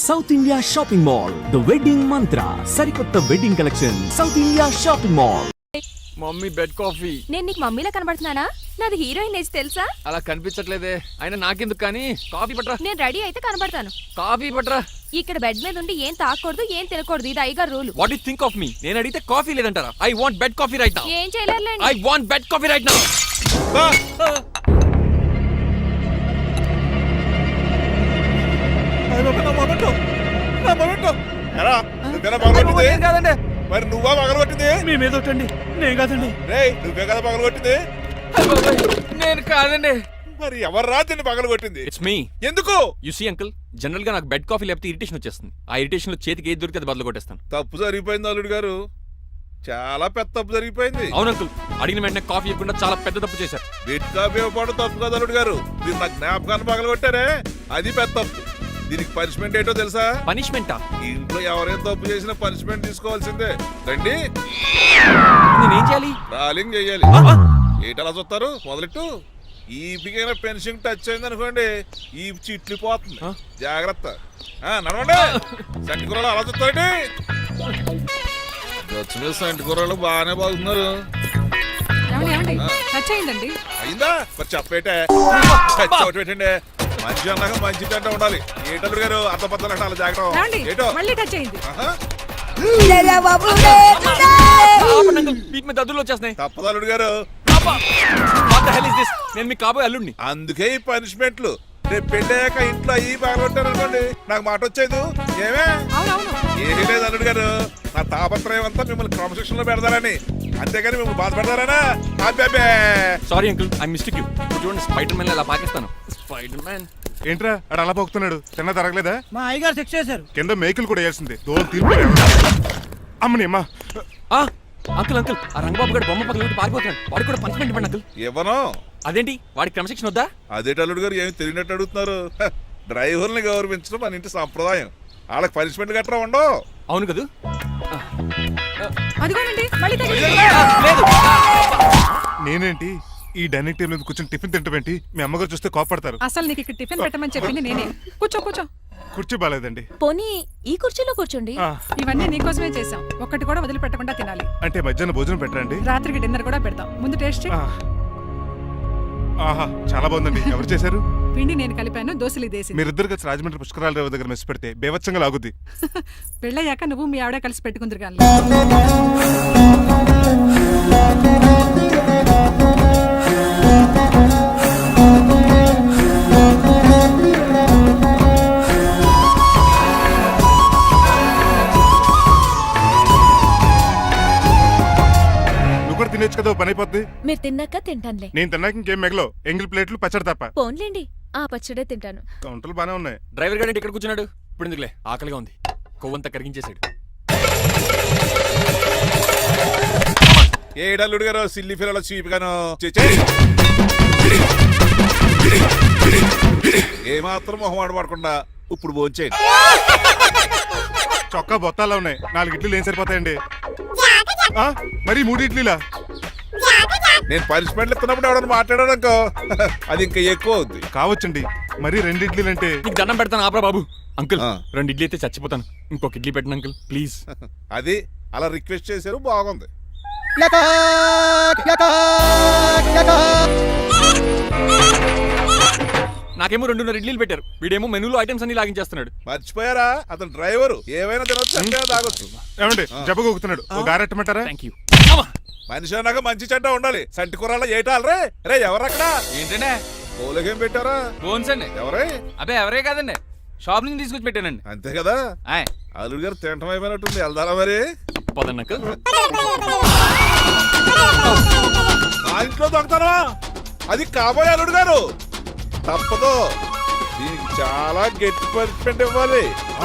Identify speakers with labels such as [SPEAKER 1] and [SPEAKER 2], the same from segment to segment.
[SPEAKER 1] South India shopping mall the wedding mantra సరికొత్త wedding collection South India shopping mall.
[SPEAKER 2] Mummy bed coffee.
[SPEAKER 3] నేను నీకు మమ్మీలా కనబడుతున్నానా? నాది heroine age తెలుసా?
[SPEAKER 2] అలా కనిపించట్లేదే. అయినా నాకెందుకు కానీ కాఫీ పట్రా.
[SPEAKER 3] నేను రెడీ అయితే కనబడతాను.
[SPEAKER 2] కాఫీ పట్రా.
[SPEAKER 3] ఇక్కడ బెడ్ మీద ఉండి ఏం తాకూడదు, ఏం తినకూడదు. ఇది అయ్యగారు rule.
[SPEAKER 2] What you think of me? నేను అడిగితే కాఫీ లేదంటారా? I want bed coffee right now.
[SPEAKER 3] ఏం చేయలేరులేండి.
[SPEAKER 2] I want bed coffee right now. కాదండి,
[SPEAKER 4] మరి నువ్వా పగలగొట్టింది?
[SPEAKER 2] మీ మీద ఒకటండి. నేను కాదండి.
[SPEAKER 4] నువ్వే కదా పగలగొట్టింది?
[SPEAKER 2] నేను కాదండి.
[SPEAKER 4] మరి ఎవర్రా దీన్ని పగలగొట్టింది?
[SPEAKER 2] It's me.
[SPEAKER 4] ఎందుకు?
[SPEAKER 2] యు సీ అంకుల్, జనరల్ గా నాకు బెడ్ కాఫీ లేకపోతే ఇరిటేషన్ వచ్చేస్తుంది. ఆ ఇరిటేషన్ లో చేతికి ఏది దొరికితే అది బదులు కొట్టేస్తాను.
[SPEAKER 4] తప్పు జరిగిపోయింది అల్లుడు గారు, చాలా పెద్ద తప్పు జరిగిపోయింది.
[SPEAKER 2] అవును అంకుల్, అడిగిన వెంటనే కాఫీ ఇవ్వకుండా చాలా పెద్ద తప్పు చేశారు.
[SPEAKER 4] బెడ్ కాఫీ ఇవ్వడం తప్పు కదా అల్లుడు గారు, మీరు నా జ్ఞాపకాన్ని పగలగొట్టారే అది పెద్ద తప్పు. దీనికి పనిష్మెంట్ ఏంటో తెలుసా?
[SPEAKER 2] పనిష్మెంటా?
[SPEAKER 4] ఇంట్లో ఎవరైనా తప్పు చేసినా పనిష్మెంట్ తీసుకోవాల్సిందే. రండి,
[SPEAKER 2] నేనేం చేయాలి?
[SPEAKER 4] రాలింగ్ చెయ్యాలి. ఏంటలా చూస్తారు? మొదలెట్టు. ఈ బిగైన పెన్షన్ టచ్ అయింది అనుకోండి, ఈ చిట్లు పోతుంది. జాగ్రత్త. నడవండి. సంటి కూరలు అలా చూస్తారండి. వచ్చిన సంటి కూరలు బాగానే బాగుతున్నారు. అయిందా? మరి చెప్పేటే పెట్టండి. మంచి అన్నాక మంచి తింటా ఉండాలి. ఏటల్లుడు గారు అర్థపత్రాలు అంటే అలా జాగ్రత్త. ఏటో
[SPEAKER 2] దద్దులు వచ్చేస్తున్నాయి.
[SPEAKER 4] తప్పదు అల్లుడు గారు.
[SPEAKER 2] నేను మీకు కాబోయే అల్లుడిని.
[SPEAKER 4] అందుకే ఈ పనిష్మెంట్లు. రేపు పెళ్ళాక ఇంట్లో అయ్యి బాగుంటారు అనుకోండి, నాకు మాట వచ్చేది ఏమే? ఏమీ లేదు అల్లుడు గారు, నా తాపత్రయం అంతా మిమ్మల్ని క్రమశిక్షణలో పెడతారని, అంతేగాని మిమ్మల్ని బాధ పెడతారనా?
[SPEAKER 2] Sorry uncle, I mistake you. చూడండి, స్పైడర్ మ్యాన్ అలా పాకిస్తాను. స్పైడర్ మ్యాన్
[SPEAKER 5] ఏంట్రా అడు అలా పోతున్నాడు? తిన్న తరగలేదా?
[SPEAKER 6] మా అయ్యగారు శిక్ష చేశారు.
[SPEAKER 5] కింద మేకులు కూడా వేయాల్సిందే. దోలు తీర్పు అమ్మని అమ్మా.
[SPEAKER 2] అంకుల్ అంకుల్, ఆ రంగబాబు గారు బొమ్మ పక్కన పారిపోతున్నాడు. వాడికి కూడా పనిష్మెంట్ ఇవ్వండి అంకుల్.
[SPEAKER 4] ఇవ్వను.
[SPEAKER 2] అదేంటి, వాడికి క్రమశిక్షణ వద్దా?
[SPEAKER 4] అదేంటి అల్లుడు గారు, ఏమి తెలియనట్టు అడుగుతున్నారు? డ్రైవర్ని గౌరవించడం మన ఇంటి సంప్రదాయం. వాళ్ళకి పనిష్మెంట్ గట్రా ఉండవు.
[SPEAKER 2] అవును కదా.
[SPEAKER 5] నేనేంటి ఈ డైనింగ్ టేబుల్ మీద కూర్చొని టిఫిన్ తింటామేంటి? మీ అమ్మగారు చూస్తే కోపడతారు.
[SPEAKER 6] అసలు నీకు ఇక్కడ టిఫిన్ పెట్టమని చెప్పింది నేనే. కూర్చో కూర్చో.
[SPEAKER 5] కుర్చీ బాలేదండి.
[SPEAKER 3] పోనీ ఈ కుర్చీలో కూర్చోండి.
[SPEAKER 6] ఇవన్నీ నీకోసమే చేసాం. ఒక్కటి కూడా వదిలిపెట్టకుండా తినాలి.
[SPEAKER 5] అంటే మధ్యాహ్నం భోజనం పెట్టరండి?
[SPEAKER 6] రాత్రికి డిన్నర్ కూడా పెడతాం. ముందు టేస్ట్ చేయి.
[SPEAKER 5] ఆహా, చాలా బాగుందండి. ఎవరు చేశారు?
[SPEAKER 6] పిండి నేను కలిపాను, దోశలు ఇదేసి.
[SPEAKER 5] మీరిద్దరు కలిసి రాజమండ్రి పుష్కరాల రేవు దగ్గర మెస్ పెడితే బేవచ్చంగా లాగుద్ది.
[SPEAKER 6] పెళ్ళయ్యాక నువ్వు మీ ఆవిడ కలిసి పెట్టుకుందరు కానీ.
[SPEAKER 5] తినేచ్చు కదా, పని అయిపోద్ది.
[SPEAKER 3] మీరు తిన్నాక తింటానులే.
[SPEAKER 5] నేను తిన్నాక ఇంకేం మిగలో ఎంగిల్ ప్లేట్లు పచ్చడి తప్ప.
[SPEAKER 3] పోన్లేండి, ఆ పచ్చడే తింటాను.
[SPEAKER 5] కౌంటర్లు బానే ఉన్నాయి.
[SPEAKER 2] డ్రైవర్ గారు ఇక్కడ కూర్చున్నాడు. ఇప్పుడు ఎందుకులే, ఆకలిగా ఉంది. కొవ్వంతా కరిగించేశాడు.
[SPEAKER 4] ఏడల్లుడు గారు సిల్లి ఫిల్లలో చీపిగాను ఏమాత్రం మొహమాట పడకుండా ఇప్పుడు భోంచేయండి.
[SPEAKER 5] చొక్కా బొత్తాలా ఉన్నాయి. 4 ఇడ్లీలు ఏం సరిపోతాయండి? మరి 3 ఇడ్లీలా?
[SPEAKER 4] నేను పనిష్మెంట్లు ఇస్తున్నప్పుడు ఎవడన్నా మాట్లాడాడు అనుకో, అది ఇంకా ఎక్కువ అవుద్ది.
[SPEAKER 5] కావచ్చండి, మరి 2 ఇడ్లీలు అంటే.
[SPEAKER 2] నీకు దండం పెడతాను ఆపరా బాబు. అంకుల్ 2 ఇడ్లీ అయితే చచ్చిపోతాను. ఇంకొక ఇడ్లీ పెట్టండి అంకుల్ ప్లీజ్.
[SPEAKER 4] అది అలా రిక్వెస్ట్ చేశారు, బాగుంది.
[SPEAKER 2] నాకేమో 2.5 ఇడ్లీలు పెట్టారు. వీడేమో మెనూలో ఐటమ్స్ అన్ని లాగించేస్తున్నాడు.
[SPEAKER 4] మర్చిపోయారా, అతను డ్రైవరు. ఏమైనా తినొచ్చు, అంటే తాగొచ్చు.
[SPEAKER 5] ఏమండి జబ్బగొక్కుతున్నాడు, ఓ గారెట్టమంటారా?
[SPEAKER 2] Thank you.
[SPEAKER 4] మనిషి అన్నాక మంచి చెడ్డ ఉండాలి. సంటి కూరలో ఏటాలరే. రే ఎవరక్కడ?
[SPEAKER 7] ఏంటంటే
[SPEAKER 4] పోలకేం పెట్టారా?
[SPEAKER 7] బోన్స్ అండి.
[SPEAKER 4] ఎవరే?
[SPEAKER 7] అబ్బే ఎవరే కాదండి, షాప్ నుంచి తీసుకొచ్చి పెట్టానండి.
[SPEAKER 4] అంతే కదా. అల్లుడు గారు తింటం అయిపోయినట్టుంది. వెళ్దారా మరి?
[SPEAKER 2] పదండి అంకుల్.
[SPEAKER 4] ఆ ఇంట్లో దొంగతనా? అది కాబోయే అల్లుడు గారు. తప్పదు, దీనికి చాలా గట్టి పనిష్మెంట్ ఇవ్వాలి.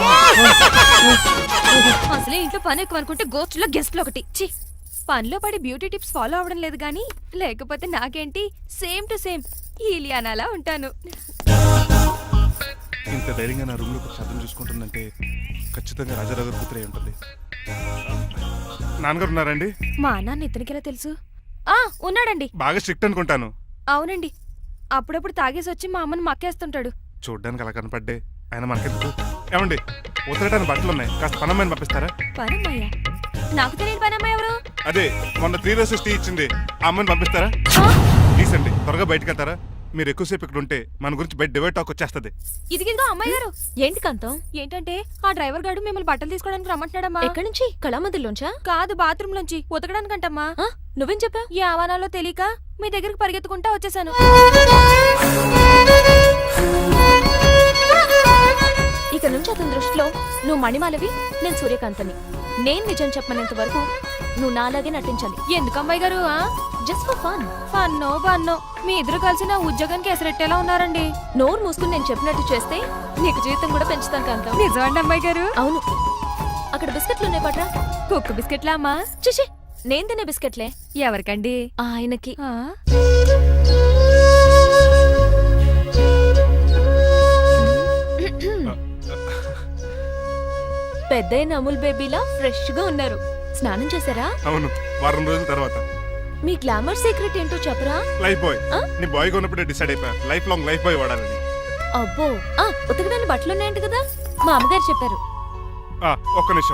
[SPEAKER 3] అసలే ఇంట్లో పని ఎక్కువ అనుకుంటే గోస్ట్లో గెస్ట్లు ఒకటి. పనిలో పడి బ్యూటీ టిప్స్ ఫాలో అవడం లేదు గానీ, లేకపోతే నాకేంటి సేమ్ టు సేమ్ ఈలియానాలా ఉంటాను.
[SPEAKER 5] ఇంత ధైర్యంగా నా రూమ్ లో శబ్దం చూసుకుంటుందంటే ఖచ్చితంగా రాజారావు గారు కూతురే ఉంటుంది. నాన్నగారు ఉన్నారండి?
[SPEAKER 3] మా నాన్న ఇతనికెలా తెలుసు? ఉన్నాడండి.
[SPEAKER 5] బాగా స్ట్రిక్ట్ అనుకుంటాను.
[SPEAKER 3] అవునండి, అప్పుడప్పుడు తాగేసి వచ్చి మా అమ్మని మక్కేస్తుంటాడు.
[SPEAKER 5] చూడ్డానికి అలా కనపడ్డే ఆయన మనకెందుకు? ఏమండి ఉతకడానికి బట్టలు ఉన్నాయి, కాస్త పనమ్మని పంపిస్తారా?
[SPEAKER 3] పనమ్మయ్య నాకు తెలియని పనమ్మాయి ఎవరు?
[SPEAKER 5] అదే మొన్న 3 రోజెస్ టీ ఇచ్చింది, ఆ అమ్మని పంపిస్తారా? ప్లీజ్ అండి, త్వరగా బయటకు వెళ్తారా? మీరు ఎక్కువసేపు ఇక్కడ ఉంటే మన గురించి బయట డివైడ్ టాక్ వచ్చేస్తుంది.
[SPEAKER 3] ఇదిగిదిగో అమ్మాయి గారు. ఏంటి కాంతం? ఏంటంటే ఆ డ్రైవర్ గారు మిమ్మల్ని బట్టలు తీసుకోవడానికి రమ్మంటున్నాడమ్మా. ఎక్కడి నుంచి? కళామందిలోంచా? కాదు, బాత్రూమ్ లోంచి ఉతకడానికంటమ్మా. నువ్వేం చెప్పావు? ఈ ఆవానాలో తెలియక మీ దగ్గరికి పరిగెత్తుకుంటా వచ్చేసాను. ఇక నుంచి అతని దృష్టిలో నువ్వు మణిమాలవి, నేను సూర్యకాంతని. నేను నిజం చెప్పనంత వరకు నువ్వు నాలాగే నటించాలి. ఎందుకు అమ్మాయి గారు? Just for fun. ఫన్నో బన్నో మీ ఇద్దరు కలిసి నా ఉద్యోగానికి ఎసరెట్టేలా ఉన్నారండి. నోరు మూసుకుని నేను చెప్పినట్టు చేస్తే నీకు జీతం కూడా పెంచుతాను కాంతం. నిజమండి అమ్మాయి గారు? అవును. అక్కడ బిస్కెట్లు ఉన్నాయి పట్రా. కుక్క బిస్కెట్లా అమ్మా? చూసి నేను తినే బిస్కెట్లే. ఎవరికండి? ఆయనకి. పెద్దయిన అమూల్ బేబీలా ఫ్రెష్ గా ఉన్నారు. స్నానం చేశారా?
[SPEAKER 5] అవును, వారం రోజుల తర్వాత.
[SPEAKER 3] మీ గ్లామర్ సీక్రెట్ ఏంటో చెప్పరా?
[SPEAKER 5] Lifebuoy. నీ బాయ్ కొన్నప్పుడే డిసైడ్ అయిపోయా లైఫ్ లాంగ్ లైఫ్ బాయ్ వాడాలని.
[SPEAKER 3] అబ్బో, ఉతకడానికి బట్టలు ఉన్నాయంట కదా, మా అమ్మగారు చెప్పారు.
[SPEAKER 5] ఒక్క నిమిషం.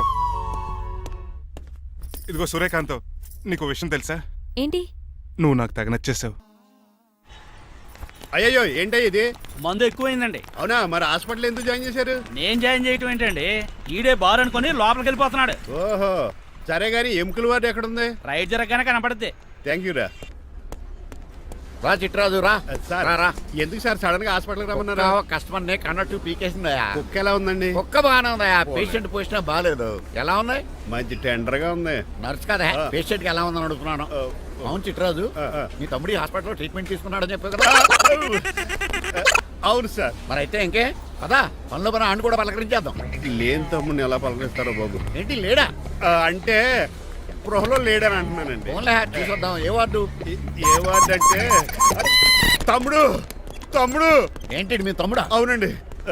[SPEAKER 5] ఇదిగో సూర్యకాంత్, నీకు విషయం తెలుసా?
[SPEAKER 3] ఏంటి?
[SPEAKER 5] నువ్వు నాకు తెగ నచ్చేసావు.
[SPEAKER 8] అయ్యయ్యో ఏంటో ఇది?
[SPEAKER 9] మందు ఎక్కువైందండి.
[SPEAKER 8] అవునా? మరి హాస్పిటల్ ఎందుకు జాయిన్ చేశారు?
[SPEAKER 9] నేను జాయిన్ చేయటం ఏంటండి, ఈడే బార్ అనుకుని లోపలికి వెళ్ళిపోతున్నాడు.
[SPEAKER 8] ఓహో, సరే గారి ఎముకల వార్డు ఎక్కడుంది?
[SPEAKER 9] రైట్ జరగగానే కనపడుద్ది.
[SPEAKER 8] థ్యాంక్ యూ రా.
[SPEAKER 10] రా చిట్రాజు రా.
[SPEAKER 8] సార్
[SPEAKER 10] రా.
[SPEAKER 8] ఎందుకు సార్ సడన్ గా హాస్పిటల్ రమ్మన్నారా?
[SPEAKER 10] కస్టమర్ నే కన్నట్టు పీకేసిందయా.
[SPEAKER 8] కుక్క ఎలా ఉందండి?
[SPEAKER 10] కుక్క బాగానే ఉందయా, పేషెంట్ పొజిషన్ బాగాలేదు. ఎలా ఉన్నాయి?
[SPEAKER 8] మంచి టెండర్ గా ఉంది.
[SPEAKER 10] నర్స్ కదా, పేషెంట్ కి ఎలా ఉందని అడుగుతున్నాను. అవును చిట్రాజు, మీ తమ్ముడి హాస్పిటల్లో ట్రీట్మెంట్ తీసుకున్నాడని చెప్పావు కదా.
[SPEAKER 8] అవును సార్.
[SPEAKER 10] మరి అయితే ఇంకే కదా, పనిలో పని ఆండు కూడా పలకరించేద్దాం.
[SPEAKER 8] లేని తమ్ముడిని ఎలా పలకరిస్తారో బాబు.
[SPEAKER 10] ఏంటి లేడా?
[SPEAKER 8] అంటే గృహలో లేడని అంటున్నానండి.
[SPEAKER 10] ఓన్లే చూసొద్దాం. ఏ వార్డు?
[SPEAKER 8] ఏ వార్డు అంటే తమ్ముడు. తమ్ముడు
[SPEAKER 10] ఏంటి మీ తమ్ముడా?
[SPEAKER 8] అవునండి.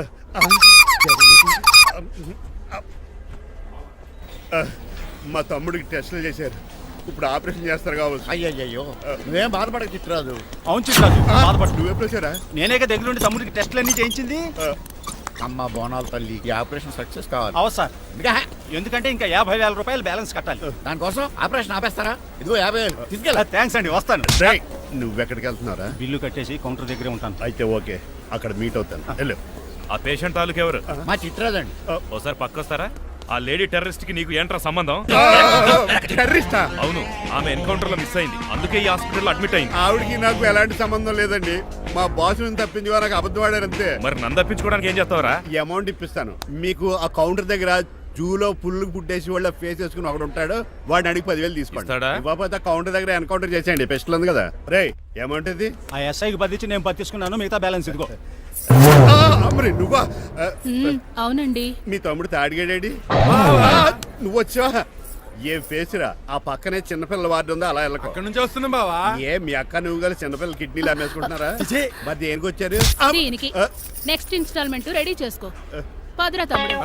[SPEAKER 8] మా తమ్ముడికి టెస్టులు చేశారు, ఇప్పుడు ఆపరేషన్ చేస్తారు కావచ్చు.
[SPEAKER 10] అయ్యయ్యో, నువ్వేం బాధపడక చిట్రాజు.
[SPEAKER 9] అవును చిట్రాజు, బాధపడు.
[SPEAKER 8] నువ్వు ఎప్పుడు వచ్చారా?
[SPEAKER 9] నేనేక దగ్గరుండి తమ్ముడికి టెస్టులు అన్ని చేయించింది.
[SPEAKER 10] అమ్మ బోనాల తల్లి, ఈ ఆపరేషన్ సక్సెస్ కావాలి.
[SPEAKER 9] అవు సార్,
[SPEAKER 10] ఇంకా
[SPEAKER 9] ఎందుకంటే ఇంకా 50,000 రూపాయలు బ్యాలెన్స్ కట్టాలి.
[SPEAKER 10] దానికోసం ఆపరేషన్ ఆపేస్తారా? ఇదిగో 50,000 తీసుకెళ్ళ.
[SPEAKER 9] థ్యాంక్స్ అండి, వస్తాను.
[SPEAKER 8] నువ్వెక్కడికి వెళ్తున్నారా?
[SPEAKER 9] బిల్లు కట్టేసి కౌంటర్ దగ్గరే ఉంటాను.
[SPEAKER 8] అయితే ఓకే, అక్కడ మీట్ అవుతాను. వెళ్ళు.
[SPEAKER 11] ఆ పేషెంట్ తాలూకు ఎవరు?
[SPEAKER 10] మా చిట్రాజు అండి.
[SPEAKER 11] ఓసారి పక్కొస్తారా? ఆ లేడీ టెర్రరిస్ట్ కి నీకు ఏంట్రా సంబంధం?
[SPEAKER 8] టెర్రరిస్టా?
[SPEAKER 11] అవును, ఆమె ఎన్కౌంటర్ లో మిస్ అయింది, అందుకే ఈ హాస్పిటల్ అడ్మిట్ అయింది.
[SPEAKER 8] ఆవిడకి నాకు ఎలాంటి సంబంధం లేదండి. మా బాసుని తప్పించి నాకు అబద్ధం ఆడారంతే.
[SPEAKER 11] మరి నన్ను తప్పించుకోవడానికి ఏం చేస్తావరా?
[SPEAKER 8] ఈ అమౌంట్ ఇప్పిస్తాను మీకు. ఆ కౌంటర్ దగ్గర జూలో పుల్లు పుట్టేసి వాళ్ళ ఫేస్ వేసుకుని ఒకడు ఉంటాడు, వాడిని అడిగి 10,000 తీసుకోండి.
[SPEAKER 11] ఇస్తాడా?
[SPEAKER 8] ఇవ్వకపోతే కౌంటర్ దగ్గర ఎన్కౌంటర్ చేసేయండి. పెస్టల్ ఉంది కదా. రే అమౌంట్ ఇది?
[SPEAKER 9] ఆ ఎస్ఐకి బదిలించి నేను పత్తిసుకున్నాను, మిగతా బ్యాలెన్స్ ఇదిగో.
[SPEAKER 8] అమ్మరే నువ్వా?
[SPEAKER 6] అవునండి.
[SPEAKER 8] మీ తమ్ముడు తాడిగాడేడి? నువ్వు వచ్చావా? ఏ ఫేస్ రా. ఆ పక్కనే చిన్నపిల్లల వార్డు ఉందా, అలా వెళ్ళకు.
[SPEAKER 5] అక్కడ నుంచి వస్తున్నా బావా.
[SPEAKER 8] ఏ మీ అక్క నువ్వు కలిసి చిన్నపిల్లల కిడ్నీలు అమ్మేసుకుంటున్నారా? మరి దేనికి వచ్చారు?
[SPEAKER 6] దీనికి నెక్స్ట్ ఇన్స్టాల్మెంట్ రెడీ చేసుకో. పదరా తమ్ముడు.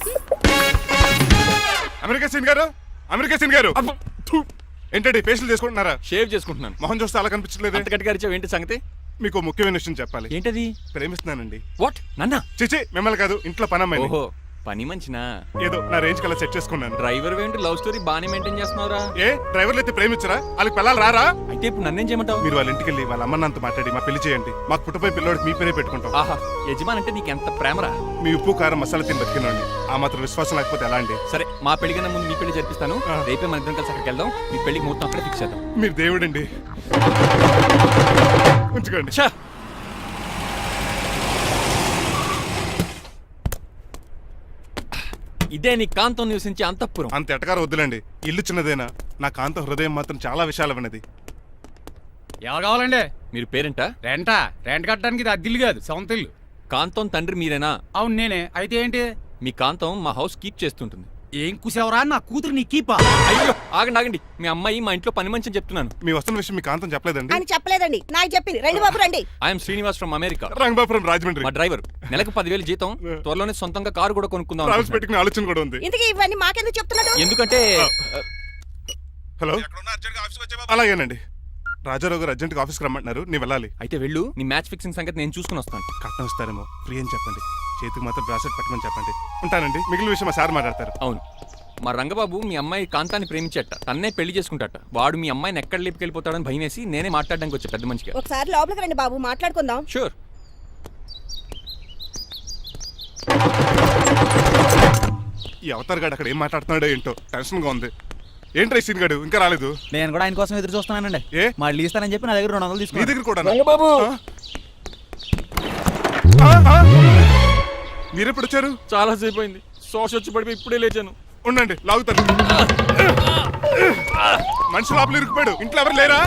[SPEAKER 5] అమెరికా సీన్ గారు, అమెరికా సీన్ గారు, ఏంటండి పేషెంట్ చేసుకుంటున్నారా?
[SPEAKER 2] షేవ్ చేసుకుంటున్నాను.
[SPEAKER 5] మొహం చూస్తే అలా కనిపించలేదు.
[SPEAKER 2] అంత గట్టిగా అరిచావు, ఏంటి సంగతి?
[SPEAKER 5] మీకు ముఖ్యమైన విషయం చెప్పాలి.
[SPEAKER 2] ఏంటది?
[SPEAKER 5] ప్రేమిస్తున్నానండి.
[SPEAKER 2] వాట్? నన్నా?
[SPEAKER 5] చిచి, మిమ్మల్ని కాదు, ఇంట్లో పనమ్మాయి.
[SPEAKER 2] ఓహో, పని మంచినా?
[SPEAKER 5] ఏదో నా రేంజ్ కల్లా సెట్ చేసుకున్నాను.
[SPEAKER 2] డ్రైవర్ ఏంటి లవ్ స్టోరీ బాగానే మెయింటైన్ చేస్తున్నావురా?
[SPEAKER 5] ఏ డ్రైవర్లు అయితే ప్రేమించరా? వాళ్ళకి పిల్లలు రారా?
[SPEAKER 2] అయితే ఇప్పుడు నన్నేం చేయమంటావు?
[SPEAKER 5] మీరు వాళ్ళ ఇంటికి వెళ్ళి వాళ్ళ అమ్మ నాన్నతో మాట్లాడి మా పెళ్లి చేయండి. మాకు పుట్టపోయి పిల్లోడికి మీ పేరే పెట్టుకుంటాం.
[SPEAKER 2] ఆహా, యజమాన్ అంటే నీకు ఎంత ప్రేమరా?
[SPEAKER 5] మీ ఉప్పు కారం మసాలా తిని బతికినండి. ఆ మాత్రం విశ్వాసం లేకపోతే ఎలా అండి?
[SPEAKER 2] సరే, మా పెళ్లి కన్నా ముందు మీ పెళ్లి జరిపిస్తాను. రేపే మన ఇద్దరం కలిసి అక్కడికి వెళ్దాం. మీ పెళ్లికి ముహూర్తం అక్కడే ఫిక్స్ చేద్దాం.
[SPEAKER 5] మీరు దేవుడండి. ఉంచుకోండి.
[SPEAKER 2] ఛా! ఇదే నీ కాంతం నివసించే అంతఃపురం.
[SPEAKER 5] అంత ఎటకారం వద్దులండి, ఇల్లు చిన్నదేనా, నా కాంత హృదయం మాత్రం చాలా విశాలమైనది.
[SPEAKER 7] ఎవరు కావాలండి?
[SPEAKER 2] మీరు పేరెంటా?
[SPEAKER 7] రెంటా? రెంట్ కట్టడానికి ఇది అద్దిల్లు కాదు, సొంత ఇల్లు.
[SPEAKER 2] కాంతం తండ్రి మీరేనా?
[SPEAKER 7] అవును నేనే. అయితే ఏంటి?
[SPEAKER 2] మీ కాంతం మా హౌస్ కీప్ చేస్తుంటుంది.
[SPEAKER 7] ఏం కూసావరా? నా కూతురు నీ కీపా?
[SPEAKER 2] అయ్యో, ఆగండి ఆగండి. మీ అమ్మాయి మా ఇంట్లో పని మంచి అని చెప్తున్నాను.
[SPEAKER 5] మీ వస్తున్న విషయం మీ కాంతం చెప్పలేదండి?
[SPEAKER 12] అని చెప్పలేదండి, నాకు చెప్పింది. రండి బాబు రండి.
[SPEAKER 2] I'm Srinivas from America.
[SPEAKER 5] Rangabapuram Rajahmundry.
[SPEAKER 2] మా డ్రైవర్. నెలకు 10,000 జీతం. త్వరలోనే సొంతంగా కారు కూడా కొనుక్కుందాం
[SPEAKER 5] ట్రావెల్స్
[SPEAKER 2] అనుకుంటున్నాను.
[SPEAKER 5] పెట్టుకునే ఆలోచన కూడా ఉంది.
[SPEAKER 12] ఇంతకీ ఇవన్నీ మాకెందుకు చెప్తున్నాడు?
[SPEAKER 2] ఎందుకంటే
[SPEAKER 5] హలో, అలాగేనండి. రాజారావు గారు అర్జెంట్గా ఆఫీస్కి రమ్మంటున్నారు, నీ వెళ్ళాలి.
[SPEAKER 2] అయితే వెళ్ళు. నీ మ్యాచ్ ఫిక్సింగ్ సంగతి నేను చూసుకుని వస్తాను.
[SPEAKER 5] కట్నం ఇస్తారేమో, ఫ్రీ అని చెప్పండి. చేతికి మాత్రం బ్రాసెట్ పెట్టమని చెప్పండి. ఉంటానండి. మిగిలిన విషయం మా సార్ మాట్లాడతారు.
[SPEAKER 2] అవును, మా రంగబాబు మీ అమ్మాయి కాంతాన్ని ప్రేమించట, తన్నే పెళ్లి చేసుకుంటాట. వాడు మీ అమ్మాయిని ఎక్కడ లేపుకెళ్ళిపోతాడని భయం వేసి నేనే మాట్లాడడానికి వచ్చా పెద్ద మనిషిగా.
[SPEAKER 12] ఒకసారి లోపలికి రండి బాబు, మాట్లాడుకుందాం.
[SPEAKER 2] షూర్.
[SPEAKER 5] ఈ అవతార్ గాడు అక్కడ ఏం మాట్లాడుతున్నాడో ఏంటో టెన్షన్ గా ఉంది. ఏంట్రా ఈ సీన్ గాడు ఇంకా రాలేదు?
[SPEAKER 7] నేను కూడా ఆయన కోసం ఎదురు చూస్తున్నానండి.
[SPEAKER 5] ఏ
[SPEAKER 7] మళ్ళీ ఇస్తానని చెప్పి నా దగ్గర 200
[SPEAKER 5] నీ
[SPEAKER 7] తీసుకున్నాను.
[SPEAKER 5] దగ్గర కూడా
[SPEAKER 2] రంగబాబు
[SPEAKER 5] మీరెప్పుడు వచ్చారు?
[SPEAKER 2] చాలా సేపు అయింది, శోష వచ్చి పడిపోయి ఇప్పుడే లేచాను.
[SPEAKER 5] ఉండండి, లాగుతాను. మనిషి లోపల ఇరుక్కుపోయాడు. ఇంట్లో ఎవరు లేరా?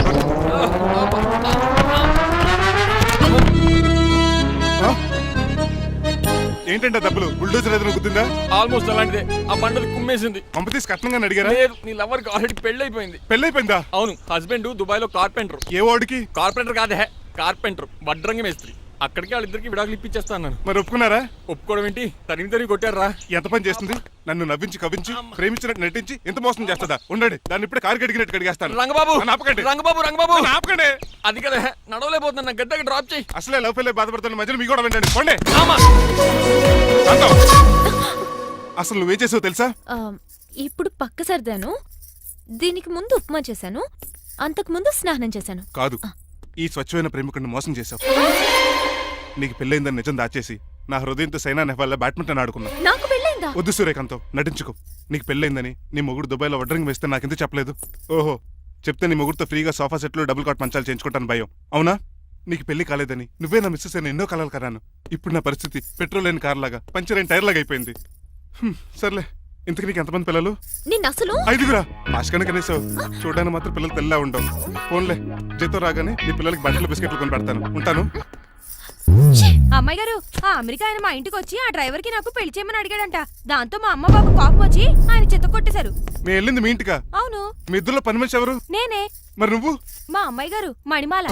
[SPEAKER 5] ఏంటంటే డబ్బులు బుల్డోజర్ ఏదైనా గుద్దిందా?
[SPEAKER 2] ఆల్మోస్ట్ అలాంటిదే. ఆ బండది కుమ్మేసింది.
[SPEAKER 5] పంపతీసి కట్నంగా అడిగారా?
[SPEAKER 2] లేదు, నీ లవర్కి ఆల్రెడీ పెళ్లి అయిపోయింది.
[SPEAKER 5] పెళ్ళైపోయిందా?
[SPEAKER 2] అవును, హస్బెండ్ దుబాయ్ లో కార్పెంటర్.
[SPEAKER 5] ఏ వాడికి?
[SPEAKER 2] కార్పెంటర్ కాదే, కార్పెంటర్, వడ్రంగి మేస్త్రి. అక్కడికి వాళ్ళిద్దరికి విడాకులు ఇప్పించేస్తా అన్నాను.
[SPEAKER 5] మరి ఒప్పుకున్నారా?
[SPEAKER 2] ఒప్పుకోవడం ఏంటి, తరిగి కొట్టారా.
[SPEAKER 5] ఎంత పని చేస్తుంది? నన్ను నవ్వించి కవించి ప్రేమించినట్టు నటించి ఎంత మోసం చేస్తుందా? ఉండండి, దాన్ని ఇప్పుడే కారు కడిగినట్టు కడిగేస్తాను.
[SPEAKER 2] రంగబాబు
[SPEAKER 5] నన్ను ఆపకండి.
[SPEAKER 2] రంగబాబు
[SPEAKER 5] ఆపకండి.
[SPEAKER 2] అది కదా, నడవలేకపోతున్నా, నా గడ్డకి డ్రాప్ చేయి.
[SPEAKER 5] అసలే లవ్ ఫెయిల్ బాధపడుతున్న మధ్యలో మీ కూడా వినండి. పోండి.
[SPEAKER 2] ఆమా.
[SPEAKER 5] శాంతం. అసలు నువ్వేం చేసావు తెలుసా?
[SPEAKER 3] ఇప్పుడు పక్క సర్దాను, దీనికి ముందు ఉప్మా చేశాను, అంతకు ముందు స్నానం చేశాను.
[SPEAKER 5] కాదు, ఈ స్వచ్ఛమైన ప్రేమికుడిని మోసం చేశావు. నీకు పెళ్ళైందని నిజం దాచేసి నా హృదయంతో సైనా నెహ్వాల్ బ్యాడ్మింటన్ ఆడుకున్నా.
[SPEAKER 3] నాకు పెళ్ళైందా?
[SPEAKER 5] వద్దు సూర్యకాంతం, నటించుకో. నీకు పెళ్ళైందని నీ మొగుడు దుబాయ్లో వడ్రంగి వేస్తే నాకెందుకు చెప్పలేదు? ఓహో, చెప్తే నీ మొగుడుతో ఫ్రీగా సోఫా సెట్లు డబుల్ కాట్ మంచాలు చేయించుకుంటాను భయం. అవునా? నీకు పెళ్లి కాలేదని నువ్వే నా మిస్సెస్ అని ఎన్నో కలలు కరాను. ఇప్పుడు నా పరిస్థితి పెట్రోల్ లేని కార్ లాగా, పంచర్ అయిన టైర్ లాగా అయిపోయింది. సర్లే, ఇంతకు నీకు ఎంతమంది పిల్లలు?
[SPEAKER 3] నిన్న అసలు
[SPEAKER 5] 5గురా. ఆశకనే కనీసం చూడడానికి మాత్రం పిల్లలు తెల్లా ఉండవు. ఫోన్లే, జీతం రాగానే నీ పిల్లలకి బట్టలు బిస్కెట్లు కొని పెడతాను. ఉంటాను.
[SPEAKER 12] అమ్మాయి గారు, ఆ అమెరికా ఆయన మా ఇంటికి వచ్చి ఆ డ్రైవర్ కి నాకు పెళ్లి చేయమని అడిగాడంట. దాంతో మా అమ్మ బాబు కోపం వచ్చి ఆయన చెత్త కొట్టేశారు.
[SPEAKER 5] మేము వెళ్ళింది మీ ఇంటికా?
[SPEAKER 12] అవును.
[SPEAKER 5] మీ ఇద్దరులో పని మనిషి ఎవరు?
[SPEAKER 12] నేనే.
[SPEAKER 5] మరి నువ్వు?
[SPEAKER 12] మా అమ్మాయి గారు మణిమాల.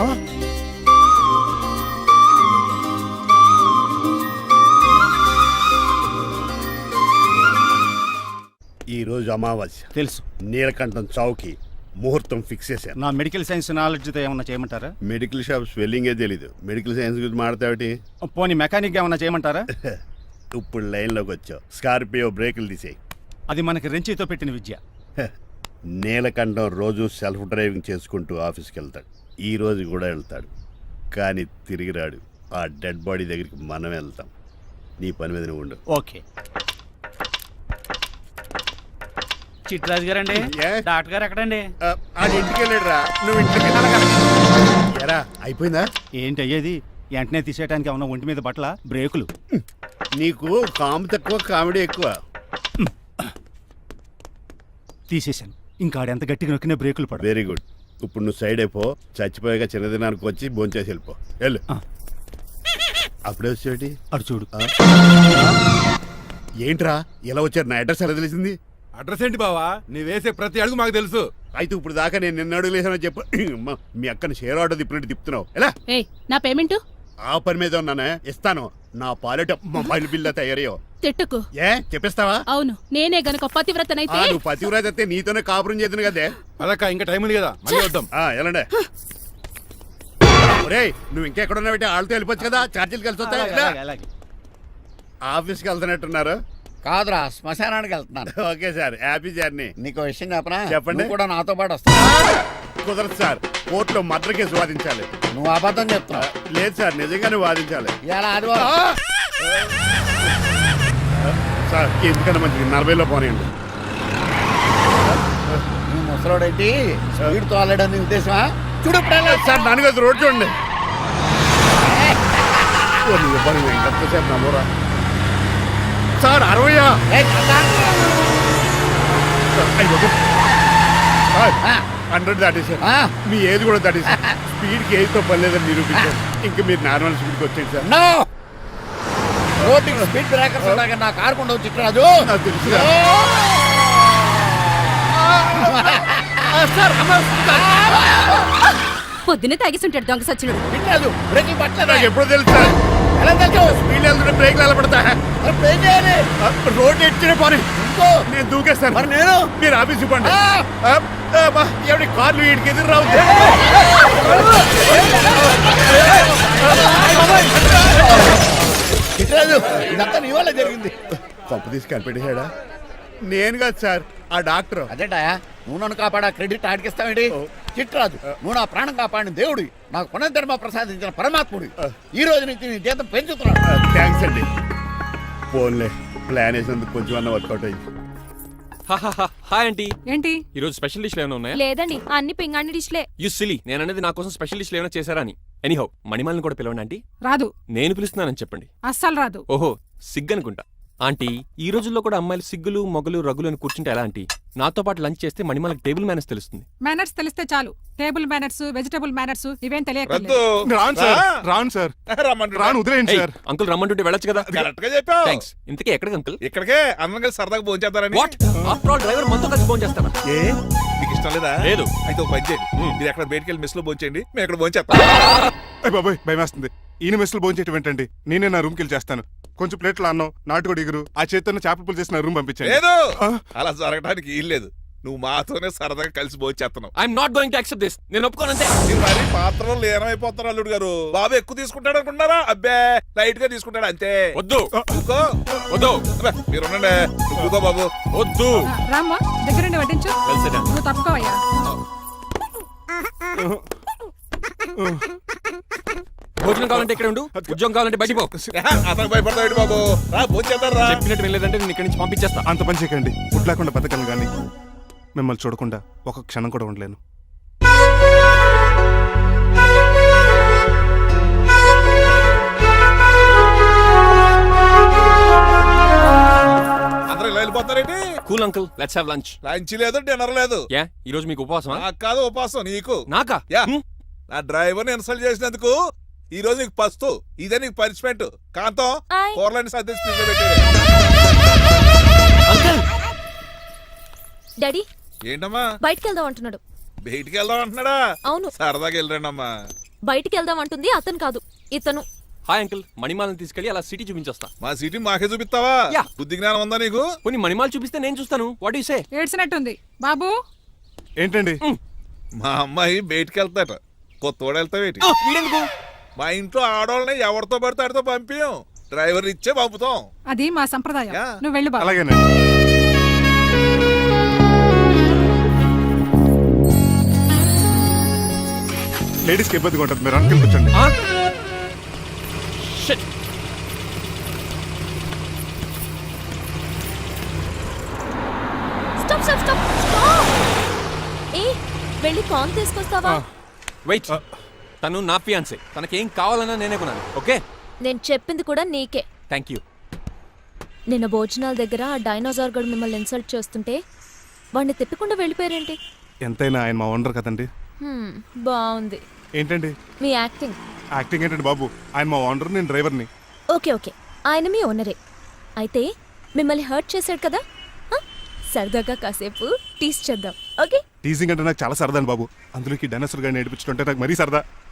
[SPEAKER 8] ఈ రోజు అమావాస్య
[SPEAKER 7] తెలుసు.
[SPEAKER 8] నీలకంఠం చౌకి ముహూర్తం ఫిక్స్ చేశాను.
[SPEAKER 7] నా మెడికల్ సైన్స్ నాలెడ్జ్తో ఏమన్నా చేయమంటారా?
[SPEAKER 8] మెడికల్ షాప్ స్వెల్లింగే తెలీదు, మెడికల్ సైన్స్ గురించి మాట్లాడతావిటి?
[SPEAKER 7] పోనీ మెకానిక్ ఏమన్నా చేయమంటారా?
[SPEAKER 8] ఇప్పుడు లైన్లోకి వచ్చావు. స్కార్పియో బ్రేకులు తీసేయి.
[SPEAKER 7] అది మనకి రెంచితో పెట్టిన విద్య.
[SPEAKER 8] నీలకంఠం రోజు సెల్ఫ్ డ్రైవింగ్ చేసుకుంటూ ఆఫీస్కి వెళ్తాడు. ఈ రోజు కూడా వెళ్తాడు, కానీ తిరిగి రాడు. ఆ డెడ్ బాడీ దగ్గరికి మనం వెళ్తాం. నీ పని మీద నువ్వు ఉండు.
[SPEAKER 7] ఓకే. చిట్రాజు గారండి,
[SPEAKER 8] ఏ?
[SPEAKER 7] డాక్టర్ గారు ఎక్కడండి?
[SPEAKER 8] అది ఇంటికి వెళ్ళాడు రా, నువ్వు ఇంటికి ఎరా. అయిపోయిందా?
[SPEAKER 7] ఏంటి అయ్యేది? వెంటనే తీసేయడానికి ఏమన్నా ఒంటి మీద బట్టల బ్రేకులు?
[SPEAKER 8] నీకు కాము తక్కువ, కామెడీ ఎక్కువ.
[SPEAKER 7] తీసేశాను. ఇంకా ఆడెంత గట్టిగా నొక్కినా బ్రేకులు పడ.
[SPEAKER 8] Very good. ఇప్పుడు నువ్వు సైడ్ అయిపో. చచ్చిపోయాక చిన్నదినానికి వచ్చి భోంచేసి వెళ్ళిపో. వెళ్ళు. అప్పుడే వచ్చేటి
[SPEAKER 7] అటు చూడు.
[SPEAKER 8] ఏంట్రా ఇలా వచ్చారు? నా అడ్రస్ ఎలా తెలిసింది?
[SPEAKER 4] అడ్రస్ ఏంటి బావా? నీ వేసే ప్రతి అడుగు మాకు తెలుసు.
[SPEAKER 8] అయితే ఇప్పుడు దాకా నేను నిన్న అడుగులేసానని చెప్పు. మీ అక్కని షేర్ ఆర్డర్ తిప్పినట్టు తిప్పుతున్నావు ఎలా?
[SPEAKER 6] ఏయ్, నా పేమెంట్
[SPEAKER 8] ఆ పని మీద ఉన్నానే, ఇస్తాను. నా పాలెట మొబైల్ బిల్లా తయారయ్యో.
[SPEAKER 6] తిట్టుకు.
[SPEAKER 8] ఏ చెప్పిస్తావా?
[SPEAKER 6] అవును, నేనే గనక పతివ్రతనైతే.
[SPEAKER 8] నువ్వు పతివ్రాజ్ అయితే నీతోనే కాపురం చేద్దును కదే.
[SPEAKER 4] అదక్క, ఇంకా టైం ఉంది కదా, మళ్ళీ వద్దాం.
[SPEAKER 8] ఎలాండే ఒరేయ్, నువ్వు ఇంకెక్కడున్నా పెట్టి వాళ్ళతో వెళ్ళిపోవచ్చు కదా, ఛార్జీలు కలిసి వస్తాయి.
[SPEAKER 7] అలాగే.
[SPEAKER 8] ఆఫీస్కి వెళ్తున్నట్టున్నారు.
[SPEAKER 10] కాదురా, శ్మశానానికి వెళ్తున్నాను.
[SPEAKER 8] Okay sir, happy journey.
[SPEAKER 10] నీకు విషయం చెప్పనా?
[SPEAKER 8] చెప్పండి.
[SPEAKER 10] నువ్వు కూడా నాతో పాటు వస్తా.
[SPEAKER 8] కుదరదు సార్, కోర్టులో మర్డర్ కేసు వాదించాలి.
[SPEAKER 10] నువ్వు అబద్ధం చెప్తున్నావు.
[SPEAKER 8] లేదు సార్, నిజంగానే వాదించాలి.
[SPEAKER 10] ఇలా ఆదివారం
[SPEAKER 8] సార్, ఎందుకన్నా మంచిది 40లో పోనీయండి.
[SPEAKER 10] నువ్వు ముసలోడేంటి స్పీడ్ తోలడని ఉద్దేశమా? చూడు
[SPEAKER 8] సార్, నాన్నగారు రోడ్ చూడండి. ఎంతసేపు నమ్మరా సార్? 60 100 దాటేశారు. మీ ఏది కూడా దాటేశారు. స్పీడ్కి ఏదితో పని లేదని నిరూపించారు. ఇంకా మీరు నార్మల్ స్పీడ్కి వచ్చేది సార్.
[SPEAKER 10] రోడ్డుకి స్పీడ్ బ్రేకర్స్ ఉండగా నా కారు కొండ చిట్రాజు.
[SPEAKER 8] నాకు తెలుసు
[SPEAKER 12] పొద్దునే తాగిస్తుంటాడు దొంగ సచ్చినుడు.
[SPEAKER 10] వినలేదు, బ్రేకింగ్ పట్టలేదు.
[SPEAKER 8] నాకు ఎప్పుడు తెలుసు సార్?
[SPEAKER 10] ఎలా తెలుసు?
[SPEAKER 8] స్పీడ్ వెళ్తుంటే బ్రేక్లు ఎలా పడతా?
[SPEAKER 10] ఏం చేయాలి?
[SPEAKER 8] రోడ్డు ఎట్టిన పోనీ నేను దూకేస్తాను.
[SPEAKER 10] మరి నేను?
[SPEAKER 8] మీరు ఆఫీస్ ఇవ్వండి. ఎవరి కార్లు వీడికి ఎదురు రావు.
[SPEAKER 10] చిట్రాజు ఇదంతా నీ వల్ల జరిగింది.
[SPEAKER 8] పప్పు తీసి కనిపెట్టేశాడా? నేను కాదు సార్, ఆ డాక్టర్.
[SPEAKER 10] అదేటా నువ్వు నన్ను కాపాడా క్రెడిట్ ఆడికిస్తావేంటి? చిట్రాజు నువ్వు నా ప్రాణం కాపాడిన దేవుడి, నాకు పునర్ధర్మ ప్రసాదించిన పరమాత్ముడి. ఈ రోజు నుంచి నీ జీతం పెంచుతున్నాను.
[SPEAKER 8] థ్యాంక్స్ అండి. ఫోన్లే, ప్లాన్ వేసినందుకు కొంచెం అన్న వర్కౌట్ అయింది.
[SPEAKER 2] Hi aunty.
[SPEAKER 6] ఏంటి
[SPEAKER 2] ఈ రోజు స్పెషల్ డిష్లు ఏమైనా ఉన్నాయా?
[SPEAKER 12] లేదండి అన్ని పింగాణి డిష్లే.
[SPEAKER 2] యు సిలీ, నేను అనేది నా కోసం స్పెషల్ డిష్లు ఏమైనా చేశారా అని. ఎనీహౌ, మణిమాలని కూడా పిలవండి ఆంటీ.
[SPEAKER 6] రాదు,
[SPEAKER 2] నేను పిలుస్తున్నానని చెప్పండి.
[SPEAKER 6] అస్సలు రాదు.
[SPEAKER 2] ఓహో, సిగ్గనుకుంటా. ఆంటీ, ఈ రోజుల్లో కూడా అమ్మాయిలు సిగ్గులు మొగలు రగులు అని కూర్చుంటే ఎలా ఆంటీ? నాతో పాటు లంచ్ చేస్తే మణిమాలకి టేబుల్ మేనేజ్ తెలుస్తుంది.
[SPEAKER 6] మేనర్స్ తెలిస్తే చాలు. టేబుల్ మేనర్స్, వెజిటబుల్ మేనర్స్ ఇవేం తెలియదు.
[SPEAKER 5] రాను సార్, రాను సార్, రాను, వదిలేయండి సార్.
[SPEAKER 2] అంకుల్ రమ్మంటుంటే వెళ్ళొచ్చు కదా.
[SPEAKER 4] కరెక్ట్ గా చెప్పావు.
[SPEAKER 2] థ్యాంక్స్. ఇంతకీ ఎక్కడికి అంకుల్?
[SPEAKER 4] ఇక్కడికే అందరం కలిసి సరదాగా భోజనం చేద్దారని.
[SPEAKER 2] వాట్? ఆఫ్టర్ ఆల్ డ్రైవర్ మనతో కలిసి ఫోన్ చేస్తారా?
[SPEAKER 4] ఏ మీకు ఇష్టం లేదా?
[SPEAKER 2] లేదు.
[SPEAKER 4] అయితే ఒక పని చేయండి, మీరు ఎక్కడ బయటికి వెళ్ళి మెస్ లో భోజనం చేయండి, మేము ఇక్కడ భోజనం చేస్తాం.
[SPEAKER 5] బాబాయ్ భయం వేస్తుంది. ఈయన మెస్సులు భోంచేయటం ఏంటండి? నేనే నా రూమ్కి వెళ్ళి చేస్తాను. కొంచెం ప్లేట్లో అన్నం, నాటుకోడి ఇగురు, ఆ చేతితో చేపల పులుసు చేసిన రూమ్ పంపించండి.
[SPEAKER 4] లేదు, అలా జరగడానికి ఏం లేదు. నువ్వు మాతోనే సరదాగా కలిసి భోజనం చేస్తున్నావు.
[SPEAKER 2] I'm not going to accept this. నేను ఒప్పుకోనంతే.
[SPEAKER 4] మీరు మరి పాత్రలో లీనమైపోతారు అల్లుడు గారు. బాబు ఎక్కువ తీసుకుంటాడు అనుకుంటారా? అబ్బే, లైట్ గా తీసుకుంటాడు అంతే.
[SPEAKER 2] వద్దు,
[SPEAKER 4] ఊరుకో.
[SPEAKER 2] వద్దు.
[SPEAKER 4] అబ్బే, మీరు ఉండండి. ఊరుకో బాబు.
[SPEAKER 2] వద్దు.
[SPEAKER 6] రామ్మా, దగ్గరుండి వడ్డించు.
[SPEAKER 2] Well said.
[SPEAKER 6] నువ్వు తప్పుకోవయ్యా.
[SPEAKER 2] భోజనం కావాలంటే ఇక్కడ ఉండు, ఉద్యోగం కావాలంటే బయటికి పో.
[SPEAKER 4] అతను భయపడతాడు బాబు. రా భోజనం చేద్దాం రా.
[SPEAKER 2] చెప్పినట్టు వెళ్ళలేదంటే నేను ఇక్కడి నుంచి పంపించేస్తా.
[SPEAKER 5] అంత పని చేయకండి. ఫుడ్ లేకుండా బతకను కానీ మిమ్మల్ని చూడకుండా ఒక క్షణం కూడా ఉండలేను.
[SPEAKER 4] అందరూ ఇలా వెళ్ళిపోతారేంటి?
[SPEAKER 2] Cool uncle, let's have lunch.
[SPEAKER 4] Lunch లేదు, డిన్నర్ లేదు.
[SPEAKER 2] యా, ఈ రోజు మీకు ఉపవాసమా?
[SPEAKER 4] నాకు కాదు ఉపవాసం, నీకు.
[SPEAKER 2] నాకా?
[SPEAKER 4] యా, నా డ్రైవర్ ని ఇన్సల్ట్ చేసినందుకు ఈ రోజు నీకు పస్తు. ఇదే నీకు పనిష్మెంట్. కాంతం,
[SPEAKER 12] ఆయ్.
[SPEAKER 4] కూరలని సర్దేసి ఫ్రిడ్జ్ లో పెట్టేయ్.
[SPEAKER 2] అంకుల్,
[SPEAKER 3] డాడీ
[SPEAKER 4] ఏంటమ్మా
[SPEAKER 3] బయటికి వెళ్దాం అంటున్నాడు.
[SPEAKER 4] బయటికి వెళ్దాం అంటున్నాడా?
[SPEAKER 3] అవును,
[SPEAKER 4] సరదాగా వెళ్ళరండి అమ్మా.
[SPEAKER 3] బయటికి వెళ్దాం అంటుంది అతను కాదు, ఇతను.
[SPEAKER 2] Hi uncle. మణిమాలని తీసుకెళ్లి అలా సిటీ చూపించొస్తా.
[SPEAKER 4] మా సిటీ మాకే చూపిస్తావా?
[SPEAKER 2] యా.
[SPEAKER 4] బుద్ధి జ్ఞానం ఉందా నీకు?
[SPEAKER 2] కొన్ని మణిమాలు చూపిస్తే నేను చూస్తాను. What you say?
[SPEAKER 6] ఏడ్చినట్టుంది బాబు.
[SPEAKER 5] ఏంటండి?
[SPEAKER 4] మా అమ్మాయి బయటికి వెళ్తాట, కొత్తోడు వెళ్తావేటి?
[SPEAKER 2] వీడెందుకు?
[SPEAKER 4] మా ఇంట్లో ఆడవాళ్ళని ఎవరితో పడితే ఆడితో పంపించాం, డ్రైవర్ ఇచ్చే పంపుతాం.
[SPEAKER 6] అది మా సంప్రదాయం.
[SPEAKER 4] యా.
[SPEAKER 6] నువ్వు వెళ్ళు బాబు.
[SPEAKER 5] అలాగేనండి. లేడీస్కి ఇబ్బందిగా ఉంటుంది, మీరు అనుకుని కూర్చోండి.
[SPEAKER 2] ఆ? Shit.
[SPEAKER 3] Stop stop stop stop. ఏ వెళ్ళి కాన్ తీసుకొస్తావా?
[SPEAKER 2] వెయిట్. తను నా ఫియాన్సే. తనకేం కావాలన్నా నేనే కొనాలి. ఓకే?
[SPEAKER 3] నేను చెప్పింది కూడా నీకే.
[SPEAKER 2] Thank you.
[SPEAKER 3] నిన్న భోజనాల దగ్గర ఆ డైనోసార్ గడు మిమ్మల్ని ఇన్సల్ట్ చేస్తుంటే వాడిని తిప్పకుండా వెళ్ళిపోయారేంటి?
[SPEAKER 5] ఎంతైనా ఆయన మా ఓనర్ కదండి.
[SPEAKER 3] బాగుంది
[SPEAKER 5] ఏంటండి
[SPEAKER 3] మీ యాక్టింగ్.
[SPEAKER 5] యాక్టింగ్ ఏంటండి బాబు? ఆయన మా ఓనర్, నేను డ్రైవర్ని.
[SPEAKER 3] ఓకే ఓకే, ఆయన మీ ఓనరే. అయితే మిమ్మల్ని హర్ట్ చేశాడు కదా, సరదాగా కాసేపు టీస్ చేద్దాం. ఓకే?
[SPEAKER 5] టీజింగ్ అంటే నాకు చాలా సరదా బాబు. అందులోకి డైనోసార్ గారిని ఏడిపించుకుంటే నాకు మరీ సరదా.